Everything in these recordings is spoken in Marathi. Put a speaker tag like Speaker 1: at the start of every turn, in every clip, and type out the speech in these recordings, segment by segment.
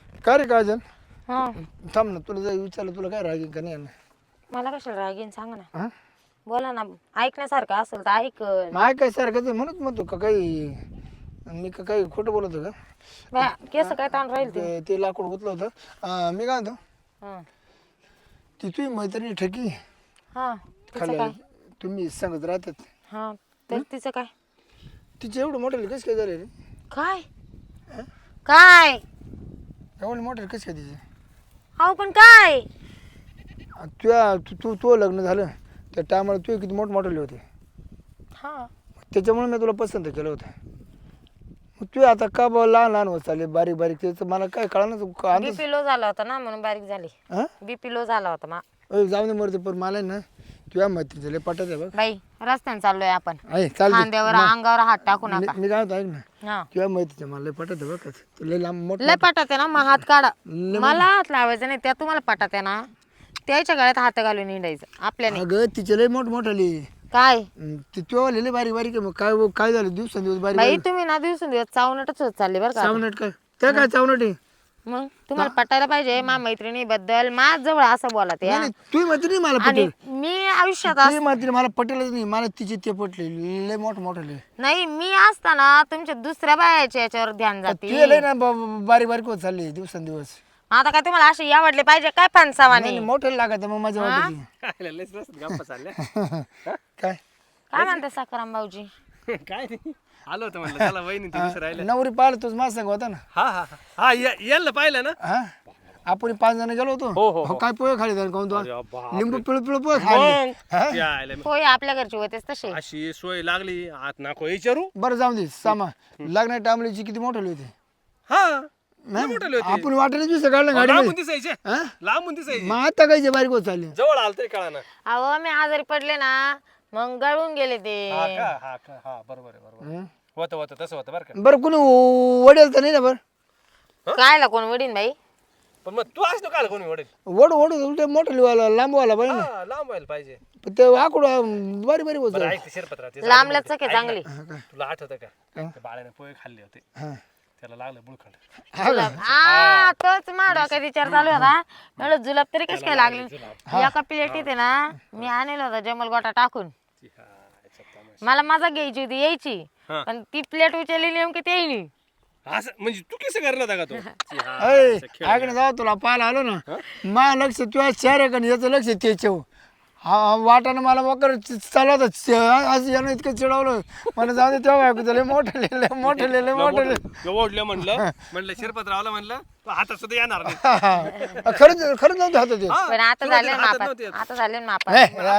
Speaker 1: काय रे काजल
Speaker 2: हा
Speaker 1: थांब ना तुला जर विचारलं तुला काय रागीन का नाही येणार?
Speaker 2: मला कशाला राग येईन सांगा ना.
Speaker 1: हा
Speaker 2: बोला ना. ऐकण्यासारखं असेल तर ऐकल.
Speaker 1: माय काय सारखं ते म्हणत म्हणतो का काही मी का काही खोटं बोलतो का?
Speaker 2: केस काय ताण राहील ते.
Speaker 1: ते लाकूड गुतलं होतं. मी काय म्हणतो
Speaker 2: हा
Speaker 1: ती तुझी मैत्रिणी ठकी
Speaker 2: हा तिचं
Speaker 1: खाली
Speaker 2: काय.
Speaker 1: तुम्ही सांगत राहतात
Speaker 2: हा तर तिचं काय.
Speaker 1: तिचे एवढं मोठं कसं काय झालं रे?
Speaker 2: काय काय
Speaker 1: एवढं मोठं कसं काय तिचे?
Speaker 2: अहो पण काय.
Speaker 1: तुझ्या तू लग्न झालं त्या टायमाला तू किती मोठमोठे होते
Speaker 2: हा
Speaker 1: त्याच्यामुळे मी तुला पसंत केलं होतं. मग तू आता का बा लहान लहान होत चालले बारीक बारीक त्याचं मला काय कळणार अंदाज.
Speaker 2: बीपी लो झाला होता ना म्हणून बारीक झाली.
Speaker 1: हां
Speaker 2: बीपी लो झाला होता मा.
Speaker 1: जाऊ दे मरते पण मला ना तुझ्या मैत्री झाले पटत आहे बघ.
Speaker 2: बाई रस्त्याने चाललोय आपण.
Speaker 1: आहे चालते
Speaker 2: खांद्यावर अंगावर हात टाकू नका.
Speaker 1: मी काय होतं ऐक ना
Speaker 2: हा
Speaker 1: तुझ्या मैत्रीचं मला लय पटत आहे बघ का तुला लांब मोठं
Speaker 2: लय पटात आहे ना मग हात काढा. मला हात लावायचा नाही त्या तुम्हाला पटात आहे ना त्याच्या गळ्यात हात घालून निंडायचं आपल्याने.
Speaker 1: अगं तिचे लय मोठमोठाली
Speaker 2: काय
Speaker 1: ते तुझ्या लय बारीक बारीक आहे मग काय काय झालं दिवसांदिवस बारीक
Speaker 2: बाई
Speaker 1: बारीक
Speaker 2: तुम्ही ना दिवसून चावनटच होत चालले बरं का.
Speaker 1: चावनट काय त्या काय चावनट आहे?
Speaker 2: मग तुम्हाला पटायला पाहिजे मा मैत्रिणी बद्दल माझ जवळ असं बोला ते.
Speaker 1: नाही तुझी मैत्रिणी मला
Speaker 2: आणि
Speaker 1: पटेल
Speaker 2: मी आयुष्यात
Speaker 1: तुझी मैत्रिणी मला पटेलच नाही मला तिचे ते पटले लय मोठमोठाले.
Speaker 2: नाही मी असताना तुमच्या दुसऱ्या बायाच्या याच्यावर ध्यान जाते.
Speaker 1: तुझे लय ना बारीक बारीक होत चालले दिवसांदिवस.
Speaker 2: आता काय तुम्हाला असे आवडले पाहिजे काय फणसावाने.
Speaker 1: मोठे लागत मग माझ्या वाटत
Speaker 3: काय लयच रस्त्यात गप्पा चालल्या.
Speaker 1: काय
Speaker 2: काय म्हणते साखराम भाऊजी.
Speaker 3: काय नाही आलो होतं म्हणलं चला वहिनी ते विसर राहिलं.
Speaker 1: नवरी पाहिलं तुझ माझ सांग होता ना.
Speaker 3: हा हा हा यायला पाहिलं ना.
Speaker 1: हा आपण 5 जण गेलो होतो.
Speaker 3: हो, हो,
Speaker 1: हो, काय पोहे खाली जाऊन काऊन
Speaker 3: अरे बापरे.
Speaker 1: लिंबू पिळू पिळू पोहे खाल्ले.
Speaker 3: मग यायला मग
Speaker 2: होय आपल्या घरचे होतेच तसे.
Speaker 3: अशी सोय लागली आत नाको विचारू.
Speaker 1: बरं जाऊ दे सामा लग्न टामलीची किती मोठे होते.
Speaker 3: हा
Speaker 1: हा?
Speaker 3: मोठे होते.
Speaker 1: आपण वाटेल दिवस काढलं गाडी
Speaker 3: लांबून दिसायचे
Speaker 1: हा?
Speaker 3: लांबून दिसायचे
Speaker 1: मग आता काय बारीक होत चालले.
Speaker 3: जवळ आलं तरी कळा ना.
Speaker 2: अहो मी आजारी पडले ना मग गळून गेले ते.
Speaker 3: हा का हा का हा बरोबर आहे बरोबर होतं होतं तसं होतं बरं का.
Speaker 1: बरं कोणी वडेल तर नाही ना बरं.
Speaker 2: कायला कोण वडीन बाई.
Speaker 3: पण मग तू असतो काल कोणी वडेल.
Speaker 1: वड वड उलटे मोठं लांब व्हायला पाहिजे ना.
Speaker 3: हा लांब व्हायला पाहिजे.
Speaker 1: पण ते आकुड बारीक बारीक होत
Speaker 3: बरं
Speaker 1: चालले.
Speaker 3: ऐक ते शिरपत्रा ते
Speaker 2: लांब लचक आहे चांगली.
Speaker 3: तुला आठवतं का त्या बाळाने पोहे खाल्ले होते
Speaker 1: हा.
Speaker 3: त्याला लागलं बुळखंड.
Speaker 2: तोच माडवा काय विचार चालू होता म्हणलं जुलाब तरी कशी काय लागली. एका प्लेटीत आहे ना मी आणलेला होता जमल गोटा टाकून. मला मजा घ्यायची होती यायची
Speaker 3: हा.
Speaker 2: पण ती प्लेट उचलली नेमकी ते येईनी.
Speaker 3: असं म्हणजे तू कसं करणार होता का तो.
Speaker 1: अय ऐक ना जाऊ तुला पाहायला आलो ना माझं लक्ष तुझ्या शहर आहे का नाही याचं लक्ष त्याच्या हा वाटानं मला वकर चालवत असं यानं इतकं चिडवलं मला जाऊ दे तेव्हा ऐकू लय मोठं लिहिलं मोठं लिहिलं मोठं लिहिलं.
Speaker 3: ओढलं म्हणलं शिरपतरावला म्हणलं तो हातात सुद्धा येणार नाही.
Speaker 1: खरंच खरंच नव्हतं हातात येत.
Speaker 2: पण आता
Speaker 3: सुरुवातीला
Speaker 2: झाले ना
Speaker 3: हातात
Speaker 2: मापात.
Speaker 3: नव्हते येत.
Speaker 2: आता झाले ना मापात.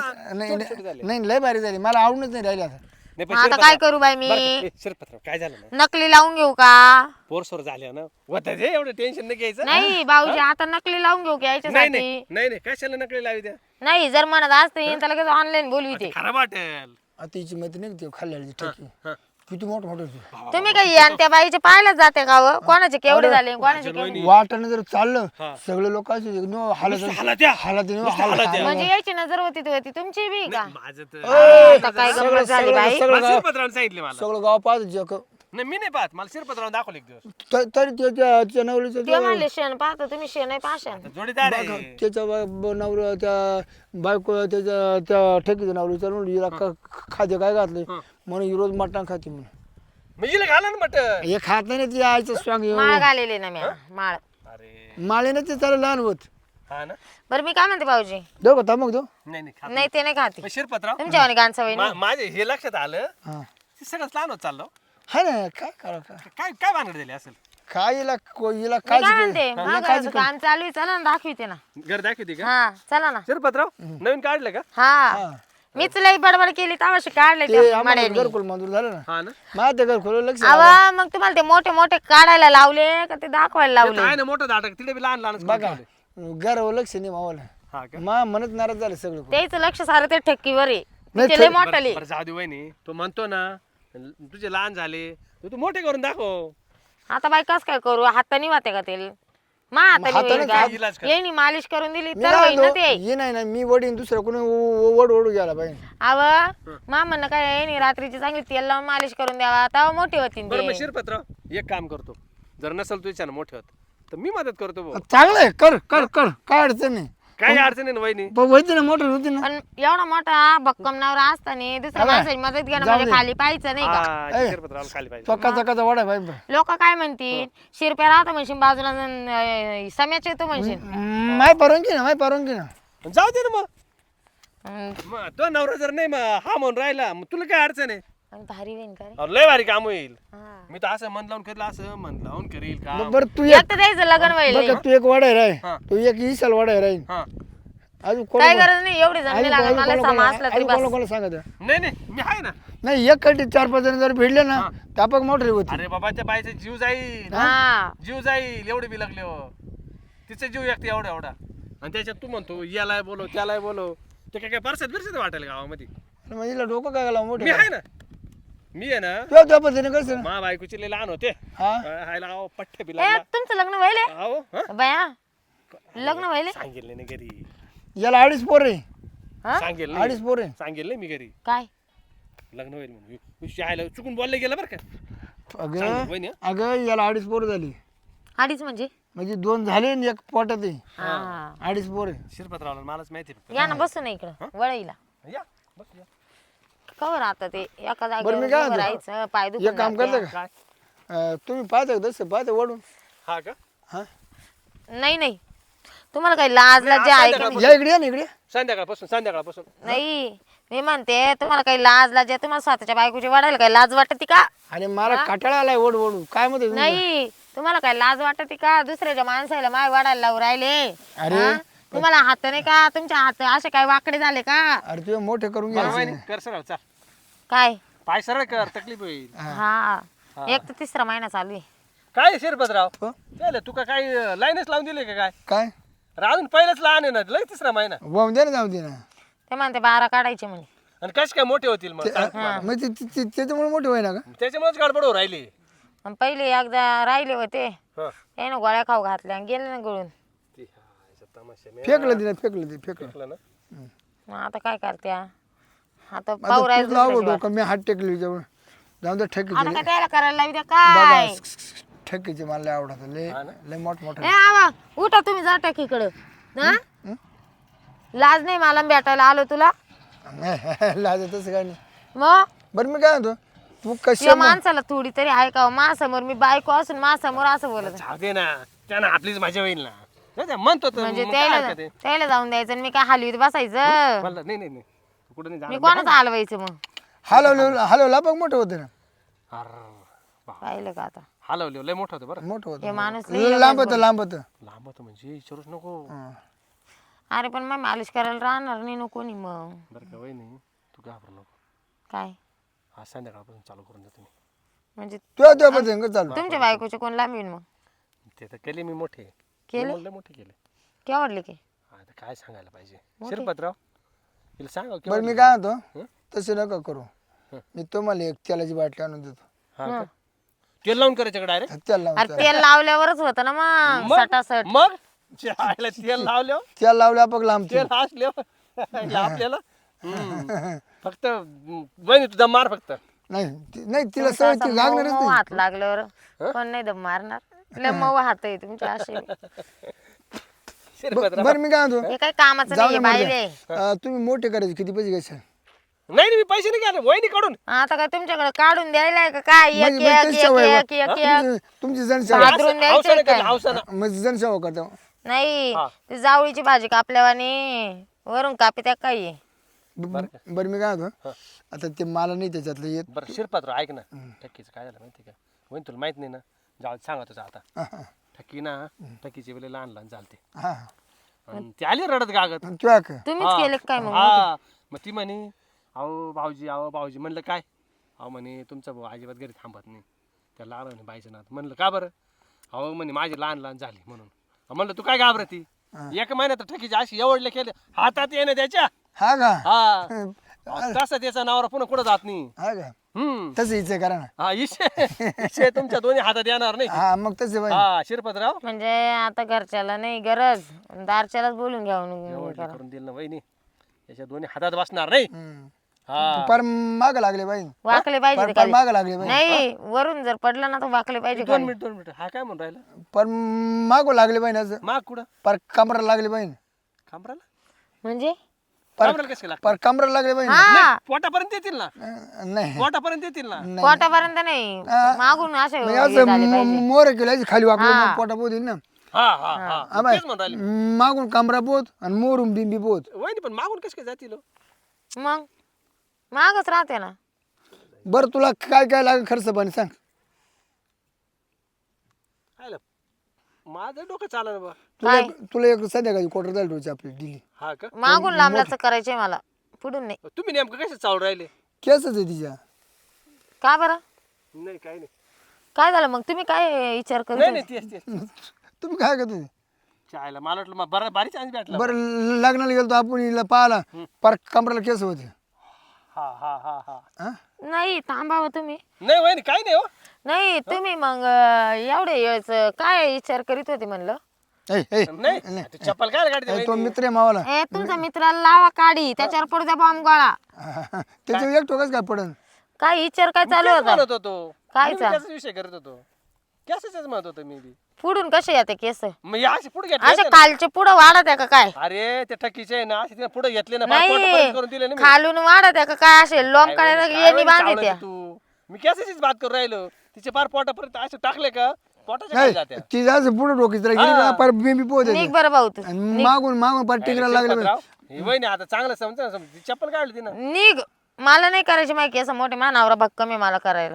Speaker 1: नाही लय भारी झाली मला आवडूनच नाही राहिली आता.
Speaker 3: नाही, पण
Speaker 2: मग आता काय करू बाई मी.
Speaker 3: शिरपतराव काय झालं ना
Speaker 2: नकली लावून घेऊ का.
Speaker 3: पोरसोर झाले ना होत ते एवढं टेन्शन नाही घ्यायचं.
Speaker 2: नाही भाऊजी आता नकली लावून घेऊ की
Speaker 3: नाही
Speaker 2: याच्यासाठी.
Speaker 3: नाही नाही नाही कशाला नकली लावी द्या.
Speaker 2: नाही जर म्हणत असते तर लगेच ऑनलाईन बोलवी
Speaker 3: खराब वाटेल.
Speaker 1: आता तिची मैत्री नाही ती खाल्ल्याची ठेकी किती मोठं मोठं होती.
Speaker 2: तुम्ही काही आणि त्या बाईचे पाहायला जाते का हो? कोणाचे केवढे झाले कोणाचे केवढे.
Speaker 1: वाटानं जर चाललं सगळे लोक हालत
Speaker 3: हालात्या.
Speaker 1: हालत
Speaker 2: म्हणजे यायची नजर होती ती होती तुमची बी का.
Speaker 3: माझं तर
Speaker 2: आता काय गंमत झाली बाई.
Speaker 3: मला शिरपतरावने सांगितले मला.
Speaker 1: सगळं गाव पाहत जग
Speaker 3: नाही मी नाही पाहत मला शिरपतरावने दाखवले एक दिवस.
Speaker 1: तरी त्याच्या नवरीचं
Speaker 2: ते म्हणले शेण पाहतो तुम्ही शेण आहे पाशान.
Speaker 3: जोडीदार आहे.
Speaker 1: त्याच्या नवऱ्या त्या बायको त्याच्या त्या ठेकीच्या नवरी चालून हिला खाद्य काय घातले म्हणून ही रोज मटण खाते म्हणून.
Speaker 3: म्हणजे घाला ना मटण.
Speaker 1: हे खात नाही ना ती आईचं स्वांग
Speaker 2: माळ घालेले ना मी माळ.
Speaker 3: अरे
Speaker 1: माळेनं ते चालू लहान होत.
Speaker 3: हा ना
Speaker 2: बरं मी काय म्हणते भाऊजी.
Speaker 1: देऊ का मग देऊ
Speaker 3: नाही नाही खात.
Speaker 2: नाही ते नाही खाते
Speaker 3: पण शिरपतराव
Speaker 2: तुमच्या वाणी गाण सवय नाही.
Speaker 3: माझे हे लक्षात आलं
Speaker 1: हा
Speaker 3: ते सगळंच लहान होत चाललो.
Speaker 1: हा ना काय करा
Speaker 3: काय काय भानगड झाली असेल.
Speaker 1: काय हिला हिला
Speaker 2: मी काय म्हणते
Speaker 1: हिला
Speaker 2: महागाचं काम चालू आहे चला ना दाखविते ना.
Speaker 3: घर दाखवते का
Speaker 2: हा चला ना.
Speaker 3: शिरपतराव नवीन काढलं का.
Speaker 2: हा मीच लई बडबड केली तवाशी काढले
Speaker 1: ते
Speaker 2: त्या
Speaker 1: आम्हाला
Speaker 2: मड्यानी.
Speaker 1: घरकुल मंजूर झालं ना
Speaker 3: हा ना
Speaker 1: माझ्या ते घरकुल लक्ष
Speaker 2: अवा मग तुम्हाला ते मोठे मोठे काढायला लावले का ते दाखवायला लावले.
Speaker 3: आहे ना मोठं दाटक तिथे बी लहान लहान
Speaker 1: बघा घरावर लक्ष नाही मावाला
Speaker 3: हा का.
Speaker 1: मा म्हणत नाराज झालं सगळं
Speaker 2: त्याच लक्ष सारं ते ठेकीवर आहे.
Speaker 1: नाही,
Speaker 2: तिचे लय मोठाले.
Speaker 3: बरं जाऊ दे वहिनी तो म्हणतो ना तुझे लहान झाले तू मोठे करून दाखव.
Speaker 2: आता बाई कस काय करू हातानी वाते का तेल मा
Speaker 3: काय इलाज कर.
Speaker 2: येणी मालिश करून दिली
Speaker 1: मी
Speaker 2: तर
Speaker 1: काय
Speaker 2: होईन ना
Speaker 1: म्हणतो,
Speaker 2: ते.
Speaker 1: हे नाही ना मी वडीन दुसरं कोणी वड ओढू गेला पाहिजे.
Speaker 2: अव मा म्हणणं काय येणी रात्रीची चांगली तेल लावून मालिश करून द्यावा तेव्हा मोठी होती
Speaker 3: बरं मग
Speaker 2: ते.
Speaker 3: शिरपतराव एक काम करतो जर नसल तुझ्या मोठे होत तर मी मदत करतो भाऊ
Speaker 1: चांगलं आहे कर कर कर काय अडचण नाही
Speaker 3: काही अडचण नाही ना वहिनी
Speaker 1: पण होती ना मोटर होती ना
Speaker 2: पण एवढा मोठा भक्कम नवरा असताना दुसऱ्या माणसाची मदत घेणं म्हणजे खाली पाहायचं नाही का
Speaker 3: हा, ते शिरपतरावला खाली पाहिजे
Speaker 1: चकाचा वडा पाहिजे
Speaker 2: लोक काय म्हणतील शिरप्या राहतो म्हणशील बाजूला सम्याच येतो म्हणशील
Speaker 1: माय परवानगी ना
Speaker 3: जाऊ दे ना मग
Speaker 2: हम्म,
Speaker 3: मग तो नवरा जर नाही मग हा म्हणून राहिला मग तुला काय अडचण आहे
Speaker 2: आणि भारी होईन का रे
Speaker 3: अहो, लय भारी काम होईल
Speaker 2: हा.
Speaker 3: मी तर असं मन लावून करेल असं मन लावून करील का
Speaker 1: बरं तू एक
Speaker 2: एक तर द्यायचं लग्न व्हायला
Speaker 1: बघ तू एक वडा आहे
Speaker 3: हा.
Speaker 1: राय तू एक इसाल वडा आहे राहील
Speaker 3: हा
Speaker 1: अजून
Speaker 2: काय गरज नाही एवढी जण लागत मला समा असला तरी बस
Speaker 1: कोणाला सांगत
Speaker 3: नाही नाही मी आहे ना
Speaker 1: नाही एक कटी 4-5 जण जर भिडले ना तापक मोटर होती
Speaker 3: अरे बाबा त्या बाईचा जीव जाईल
Speaker 2: हा
Speaker 3: जीव जाईल एवढे बी लागले हो तिचा जीव एकटे एवढा एवढा आणि त्याच्यात तू म्हणतो यालाय बोलो त्यालाय बोलो ते काय परसत बिरसत वाटेल गावामध्ये
Speaker 1: मग हिला डोकं काय घाला
Speaker 3: मी
Speaker 1: मोठे
Speaker 3: आहे ना मी आहे ना
Speaker 1: त्या पद्धतीने कसं
Speaker 3: मा बायकोचे लय लहान होते
Speaker 1: हा
Speaker 3: हायला अहो पठ्ठे
Speaker 2: ए
Speaker 3: बिला
Speaker 2: तुमचं लग्न व्हायले
Speaker 3: अहो हा
Speaker 2: बया लग्न व्हायले
Speaker 3: सांगेल नाही घरी
Speaker 1: याला 2.5 पोर आहे
Speaker 2: हा
Speaker 3: सांगेल
Speaker 1: 2.5
Speaker 3: नाही
Speaker 1: पोर आहे
Speaker 3: सांगेल नाही मी घरी
Speaker 2: काय
Speaker 3: लग्न होईल म्हणून शाळेला चुकून बोलले गेलं बरं का
Speaker 1: अगं
Speaker 3: सांगेल वहिनी, हं?
Speaker 1: अगं याला 2.5 पोर झाली
Speaker 2: अडीच म्हणजे
Speaker 1: म्हणजे 2 झाले आणि एक पोटात आहे
Speaker 2: हा
Speaker 1: 2.5 पोर आहे
Speaker 3: शिरपतरावला मलाच माहिती फक्त
Speaker 2: या ना बसू ना इकडं वळईला
Speaker 3: या बस या.
Speaker 2: कवर आता ते एका
Speaker 1: बरं, मी काय
Speaker 2: जागेवर
Speaker 1: म्हणतो?
Speaker 2: राहायचं पाय
Speaker 1: एक
Speaker 2: दुखून
Speaker 1: काम
Speaker 2: जाते.
Speaker 1: करता का
Speaker 3: काय
Speaker 1: तुम्ही पाहता का तसं पाहता वडून
Speaker 3: हा का
Speaker 1: हा
Speaker 2: नाही नाही तुम्हाला काही लाज लज्जा आहे का नाही?
Speaker 1: या इकडे या ना इकडे
Speaker 3: संध्याकाळपासून
Speaker 2: नाही मी म्हणते तुम्हाला काही लाज लज्जा तुम्हाला स्वतःच्या बायकोची वाढायला काही लाज वाटते का
Speaker 1: आणि मला काटाळा आलाय ओढू काय म्हणते तुम्ही?
Speaker 2: नाही तुम्हाला काही लाज वाटते का दुसऱ्याच्या माणसाला माय वाढायला लावून राहिले
Speaker 1: अरे.
Speaker 2: हा? तुम्हाला हात नाही का तुमच्या हात असे काय वाकडे झाले का
Speaker 1: अरे तुझे मोठे करून
Speaker 3: बरं,
Speaker 1: घ्यायचे
Speaker 3: वहिनी, कर सरळ चाल
Speaker 2: काय
Speaker 3: पाय सरळ कर तकलीफ होईल
Speaker 2: हा एक तर तिसरा महिना चालू आहे
Speaker 3: काय शिरपतराव
Speaker 1: हो?
Speaker 3: त्याला तुका काय लाईनच लावून दिली का काय
Speaker 1: काय
Speaker 3: अरे अजून पहिलंच लहान आहे ना लय तिसरा महिना
Speaker 1: वाहून दे ना जाऊ दे ना
Speaker 2: ते म्हणते 12 काढायचे म्हणे
Speaker 3: आणि कसे काय मोठे होतील मग
Speaker 1: मग त्याच्यामुळे मोठे होईना का
Speaker 3: त्याच्यामुळेच गडबड हो राहिली
Speaker 2: आणि पहिले एकदा राहिले होते
Speaker 3: हं.
Speaker 2: त्यानं गोळ्या खाऊ घातल्या आणि गेले ना गळून
Speaker 3: ती हायचा तमाशा मी
Speaker 1: फेकलं तिने फेकलं
Speaker 3: ऐकलं ना
Speaker 2: मग आता काय करत्या आता
Speaker 1: आता
Speaker 2: पाहू
Speaker 1: तूच
Speaker 2: राहायचं
Speaker 1: लाव
Speaker 2: दुसऱ्याची
Speaker 1: डोकं मी हात टेकली जवळ जाऊन दे ठेकी
Speaker 2: वाट. आता काय त्याला करायला लावी द्या काय
Speaker 1: ठेकीचे मला लय आवडत लय लय मोठ मोठं
Speaker 2: ए आवा उठा तुम्ही जा टाकीकडं हा लाज नाही मला भेटायला आलो तुला
Speaker 1: लाज तसं काय नाही
Speaker 2: मग
Speaker 1: बरं मी काय म्हणतो तू कशी
Speaker 2: या माणसाला थोडी तरी आहे का मा समोर मी बायको असून मा समोर असं बोलत आहे.
Speaker 3: जाऊ दे ना त्यानं आपलीच मजा होईल ना जाऊ दे, म्हणतो तर
Speaker 2: म्हणजे
Speaker 3: मग काय
Speaker 2: त्याला
Speaker 3: हरकत आहे?
Speaker 2: त्याला जाऊन द्यायचं आणि मी काय हलवीत बसायचं
Speaker 3: म्हणलं, नाही नाही नाही तू कुठं नाही
Speaker 2: मी
Speaker 3: जाणार
Speaker 2: कोणाचं हलवायचं मग
Speaker 1: हलवला बघ मोठं होतं ना
Speaker 2: पाहिलं का आता
Speaker 3: हलवले लय मोठं होतं बरं
Speaker 1: मोठं
Speaker 2: हे माणूस
Speaker 1: होतं लांब होतं लांब होतं
Speaker 3: लांब होतं म्हणजे विचारूच नको
Speaker 2: अरे पण मग मालिश करायला राहणार नाही नको नी मग
Speaker 3: बरं का वहिनी तू घाबरू नको
Speaker 2: काय
Speaker 3: आज संध्याकाळपासून चालू करून देतो मी
Speaker 2: म्हणजे
Speaker 1: तुझ्या पद्धतीने चालू
Speaker 2: तुमच्या बायकोचे कोण लांबीन मग
Speaker 3: ते तर केले मी मोठे
Speaker 2: केले?
Speaker 3: लय मोठे केले
Speaker 2: केवढले की
Speaker 3: आता काय सांगायला पाहिजे शिरपतराव तिला सांगा
Speaker 1: बरं मी काय म्हणतो तसे नका करू मी तुम्हाला एक तेलाची बाटली आणून देतो
Speaker 3: हा का? तेल लावून करायचं डायरेक्ट
Speaker 1: तेल लावून
Speaker 2: अरे तेल लावल्यावरच होतं ना मग सटासट
Speaker 3: मग चहाला तेल लावलं
Speaker 1: तेल लावल्या बघ लांब
Speaker 3: तेल असले आपल्याला फक्त वहिनी तुझा मार फक्त
Speaker 1: नाही तिला सवय ती लागणारच
Speaker 2: मऊ
Speaker 1: नाही
Speaker 2: हात लागल्यावर कोण नाही दम मारणार लय मऊ हात आहे तुमच्या असे
Speaker 3: शिरपतराव
Speaker 1: बरं मी काय म्हणतो
Speaker 2: हे काही कामाचं
Speaker 1: जाऊ
Speaker 2: नाही
Speaker 1: दे मरू
Speaker 2: बाईले
Speaker 1: द्या. तुम्ही मोठे करायचे किती पैसे घ्यायचे
Speaker 3: नाही मी पैसे नाही घ्यायला वहिनी काढून
Speaker 2: आता काय तुमच्याकडे काढून द्यायला आहे का काय एक
Speaker 1: म्हणजे
Speaker 2: एक
Speaker 1: तेच
Speaker 2: एक
Speaker 1: सवय
Speaker 2: एक एक एक
Speaker 1: तुमची जनसेवा
Speaker 2: भादरून द्यायचं
Speaker 3: हौसानं
Speaker 2: काय?
Speaker 3: केलं, हौसानं.
Speaker 1: म्हणजे जनसेवा करता
Speaker 2: नाही ती जावळीची भाजी कापल्यावानी वरून कापी त्या काही
Speaker 1: बरं मी काय म्हणतो आता ते मला नाही त्याच्यातलं येत
Speaker 3: बरं शिरपतराव ऐक ना ठक्कीचं काय झालं माहिती का वहिनी तुला माहित नाही ना जाऊ सांगा तुझं आता ठक्की ना ठक्कीचे वेळे लहान लहान चालते
Speaker 1: हा
Speaker 3: आणि ती आली रडत गागत
Speaker 1: तुझ्या का
Speaker 2: तुम्हीच केले काय मग
Speaker 3: हा मग ती म्हणे अहो भाऊजी म्हणलं काय अहो म्हणे तुमचा भाऊ अजिबात घरी थांबत नाही त्याला आलं म्हणे बाईचं नात म्हणलं का बरं अहो म्हणे माझी लहान लहान झाली म्हणून म्हणलं तू काय घाबरती एक महिन्यात ठकीची अशी एवढले केले हातात येणं त्याच्या
Speaker 1: हा का
Speaker 3: हा तसं त्याचा नवरा पुन्हा कुठं जात नाही
Speaker 1: हा का तसं हिचं करा ना
Speaker 3: हा इशे तुमच्या दोन्ही हातात येणार नाही
Speaker 1: हा मग तसे बाई
Speaker 3: हा शिरपतराव
Speaker 2: म्हणजे आता घरच्याला नाही गरज दारच्यालाच बोलून घ्यावं
Speaker 3: एवढं करून दिलं ना वहिनी त्याच्या दोन्ही हातात बसणार नाही हा
Speaker 1: पर माग लागले बाई
Speaker 2: वाकले पाहिजे ते
Speaker 1: पर
Speaker 2: खाली.
Speaker 1: माग लागले बाई
Speaker 2: नाही वरून जर पडलं ना तर वाकले पाहिजे
Speaker 3: दोन
Speaker 2: खाली.
Speaker 3: मिनिट हा काय म्हणून राहिला
Speaker 1: पर मागू लागले बाई असं
Speaker 3: माग कुठं
Speaker 1: पर कमरा लागले बाई
Speaker 3: खांबराला
Speaker 2: म्हणजे
Speaker 3: खांबराला कसं लागतं
Speaker 1: पर कमरा लागले बाई
Speaker 2: हा
Speaker 3: पोटापर्यंत येतील ना
Speaker 1: नाही
Speaker 3: पोटापर्यंत येतील ना
Speaker 2: पोटापर्यंत नाही मागून असे
Speaker 1: म्हणजे
Speaker 2: हे
Speaker 1: असं
Speaker 2: झाले पाहिजे.
Speaker 1: मोर केलं खाली वाकलं
Speaker 2: हा.
Speaker 1: मग पोटा पोत येईल ना
Speaker 3: हा हा हा तेच म्हणून राहिले
Speaker 1: मागून कमरा पोत आणि मोरून बिंबी पोत
Speaker 3: वहिनी पण मागून कसं काय जातील हो?
Speaker 2: मग मागच राहते ना.
Speaker 1: बरं तुला काय काय लागेल खर्च पाणी सांग
Speaker 3: हायला, माझं डोकं चाललं बा
Speaker 1: तुला तुला एक संध्याकाळी क्वार्टर झाली रोज आपली दिली
Speaker 3: हा का
Speaker 2: मागून लांबलाच करायचंय मला पुढून नाही.
Speaker 3: तुम्ही नेमकं कसं चालू राहिले
Speaker 1: केसच आहे तिच्या
Speaker 2: का बरं
Speaker 3: नाही काही नाही
Speaker 2: काय झालं मग तुम्ही काय विचार करत
Speaker 3: नाही
Speaker 2: होते?
Speaker 3: नाही तेच
Speaker 1: तुम्ही काय करतो
Speaker 3: चायला मला वाटलं मग बरं बारीक चान्स भेटला
Speaker 1: बरं लग्नाला गेलो आपण हिला पाहिला पर कमराला केस होते
Speaker 3: हा हा हा हा
Speaker 1: हा?
Speaker 2: नाही थांबावं तुम्ही.
Speaker 3: नाही वहिनी काही नाही हो
Speaker 2: नाही तुम्ही मग एवढे वेळेस काय विचार करीत होते म्हणलं.
Speaker 1: ऐ, ऐ,
Speaker 3: नाही तू चप्पल काय काढते
Speaker 1: ऐ, तो मित्र आहे मावाला
Speaker 2: ए तुमच्या मित्राला लावा काढी त्याच्यावर पडू द्या बॉम्ब गोळा.
Speaker 1: त्याच्यावर एक टोकच काय पडन
Speaker 2: काय विचार काय चालू होता
Speaker 3: म्हणत होतो
Speaker 2: काय
Speaker 3: मी त्याचा विषय करत होतो कॅसेच म्हणत होतो मी बी
Speaker 2: पुढून कसे येते केस
Speaker 3: मग हे असे पुढे
Speaker 2: असे
Speaker 3: घेतले
Speaker 2: खालचे पुढं वाढत आहे का काय?
Speaker 3: अरे ते टकीचे आहे ना असे तिने पुढे घेतले ना फार पोटापर्यंत
Speaker 2: नाही
Speaker 3: करून दिले ना मी.
Speaker 2: खालून वाढत आहे का काय? असे लोंब
Speaker 3: काय
Speaker 2: काढायला
Speaker 3: वहिनी,
Speaker 2: येणी
Speaker 3: काय
Speaker 2: बांधते
Speaker 3: चावलं तू मी कॅसेचीच बात करून राहिलो तिचे फार पोटापर्यंत असे टाकले का पोटाच्या
Speaker 1: नाही
Speaker 3: खाली जात्या
Speaker 1: ती जायचं पुढे डोकी तर गेली का पर बिंबी पोत
Speaker 2: निघ
Speaker 1: येते
Speaker 2: बरं भाऊ तू
Speaker 1: आणि मागून पर टिकरा लागले
Speaker 3: शिरपतराव, ही वहिनी आता चांगलं समजा ना, ती चप्पल काढली ती ना
Speaker 2: निघ. मला नाही करायची माहिती असं मोठे मानावरा भक्कम आहे मला करायला.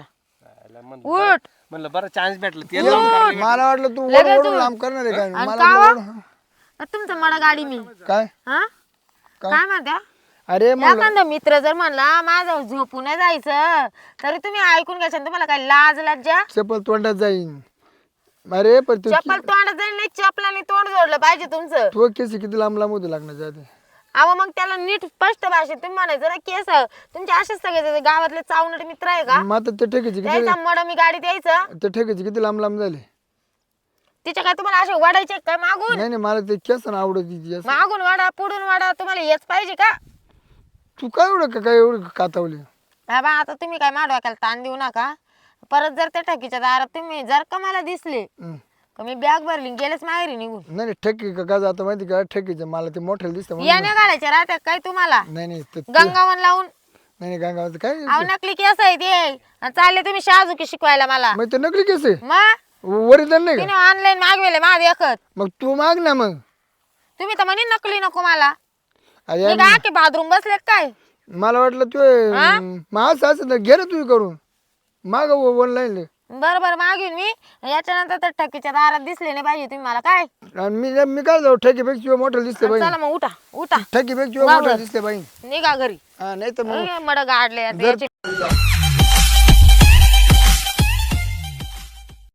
Speaker 2: उठ
Speaker 3: म्हणलं बरं चान्स भेटलं ते जाऊन करायला
Speaker 1: मला वाटलं तू
Speaker 2: लगेच
Speaker 1: ओढून लांब करणार आहे काय
Speaker 2: आणि
Speaker 1: मला
Speaker 2: का
Speaker 1: वाटलं
Speaker 2: हो? तुमचं मला गाडी मी
Speaker 1: काय
Speaker 2: हा काय म्हणत्या
Speaker 1: अरे मग
Speaker 2: एखादा मित्र जर म्हणला माझं झोपून नाही जायचं तरी तुम्ही ऐकून घ्यायचं आणि तुम्हाला काय लाज लज्जा?
Speaker 1: चप्पल तोंडात जाईन अरे पण तू
Speaker 2: चप्पल तोंडात जाईल नाही चपलाने तोंड जोडलं पाहिजे तुमचं.
Speaker 1: तू केस किती लांब लांब होते लागण्याच्या आधी
Speaker 2: अहो मग त्याला नीट स्पष्ट भाषेत तुम्ही म्हणायचं ना केस तुमचे असेच सगळे गावातले चावणारे मित्र आहे का?
Speaker 1: मग आता ते ठेकायचे किती
Speaker 2: द्यायचा मड मी गाडीत यायचं
Speaker 1: ते ठेकायचे किती लांब लांब झाले
Speaker 2: तिच्या काय तुम्हाला असे वाढायचे काय मागून?
Speaker 1: नाही नाही मला ते केस ना आवडत तिची जास्त.
Speaker 2: मागून वाडा पुढून वाडा तुम्हाला हेच पाहिजे का?
Speaker 1: तू काय एवढं काय एवढं कातावली
Speaker 2: हा बा आता तुम्ही काय माडवा केला ताण देऊ नका. परत जर त्या ठकीच्या दारात तुम्ही जर का मला दिसले का मी बॅग भरली गेलेच माहेरी निघून.
Speaker 1: नाही नाही ठेकी का जातं माहिती का ठेकीचं मला ते मोठ्याला दिसतं म्हणून.
Speaker 2: याने घालायचे राहत्या काय तुम्हाला
Speaker 1: नाही नाही
Speaker 2: गंगावन लावून
Speaker 1: नाही गावाचं काय
Speaker 2: अहो नकली केस आहे ते आणि चालले तुम्ही शाजूकी शिकवायला मला.
Speaker 1: मग ते नकली केस आहे
Speaker 2: मग
Speaker 1: ओरिजिनल नाही का
Speaker 2: तिने ऑनलाईन मागवेले माझे एकच.
Speaker 1: मग तू माग ना मग
Speaker 2: तुम्ही तर म्हणे नकली नको मला.
Speaker 1: अरे
Speaker 2: मी काय की बाथरूम बसले काय?
Speaker 1: मला वाटलं तू मग असं तर घे रे तू करून माग ऑनलाईन
Speaker 2: बरं बरं मागीन मी याच्यानंतर तर ठकीच्या दारात दिसले नाही पाहिजे तुम्ही मला काय.
Speaker 1: आणि मी काय जाऊ ठेकीपेक्षा मोठं दिसते बाई
Speaker 2: चला मग उठा उठा
Speaker 1: ठेकीपेक्षा मोठं दिसते बाई
Speaker 2: निघा घरी.
Speaker 1: हा नाही तर मग
Speaker 2: मड गाडले याचे